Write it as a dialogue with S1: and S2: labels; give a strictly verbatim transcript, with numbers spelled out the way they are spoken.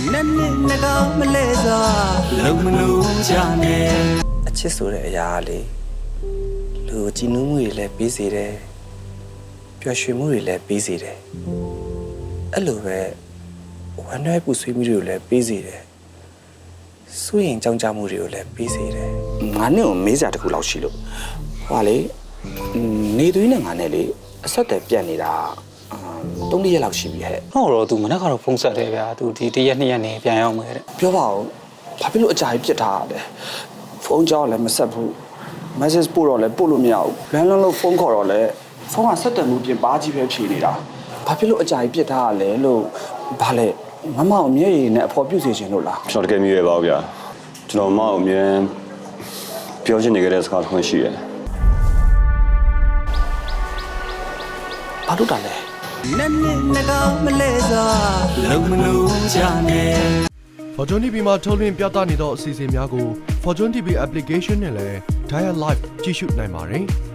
S1: နကောင်မလဲစွာလုံမလို့ချနေအချစ်ဆိုတဲ့အရာလေးလူကြည်နူးမှုတွေလည်းပြီးစေတယ်ပျော်ရွှင်မှုတွေလည်းပြီးစေတယ်အဲ့လိုပဲဝမ်းနည်းပူဆွေးမှုတွေကိုလည်းပြီးစေတယ်စိုးရင်ကြောင်းကြမှုတွေကိုလည်းပြီးစေတယ်ငါနဲ့ကိုမေးစရာတစ်ခုလောက်ရှိလို့ဟွာလေနေသွေးနဲ့ငါနဲ့လေအဆက်တယ်ပြတ်နေတာသုံးရက်လောက်ရှိပြီဟဲ့
S2: ဟုတ်တော့ तू မနေ့ကတော့ဖုန်းဆက်တယ်ဗျာ तू ဒီတစ်ရက်နှစ်ရက်နေပြန်ရောက်မယ်တဲ့
S1: ပြောပါဦးဘာဖြစ်လို့အကြာကြီးပြစ်ထားရလဲဖုန်းကြောက်လည်းမဆက်ဘူး message ပို့တော့လည်းပို့လို့မရဘူးလမ်းလုံးလို့ဖုန်းခေါ်တော့လည်းဖုန်းကဆက်တယ်မှုပြင်ပါကြီးပဲဖြေနေတာဘာဖြစ်လို့အကြာကြီးပြစ်ထားရလဲလို့ဘာလဲမမအောင်မျက်ရည်နဲ့အဖော်ပြုတ်စေခြင်းလို့လား
S3: ကျွန်တော်တကယ်မြည်ရပါဘူးဗျာကျွန်တော်မအောင်အမြဲပြောချင်နေကြတဲ့စကားတစ်ခုရှိတယ်
S1: ဘာလို့တာလဲနက်နက်နကောင်မလဲစွာလုံမလို့ချနေ
S4: Fortune တီ ဗီ မှာထုတ်လွှင့်ပြသနေသောအစီအစဉ်များကို Fortune တီ ဗီ application နဲ့လည်း Dial Live ကြည့်ရှုနိုင်ပါတယ်။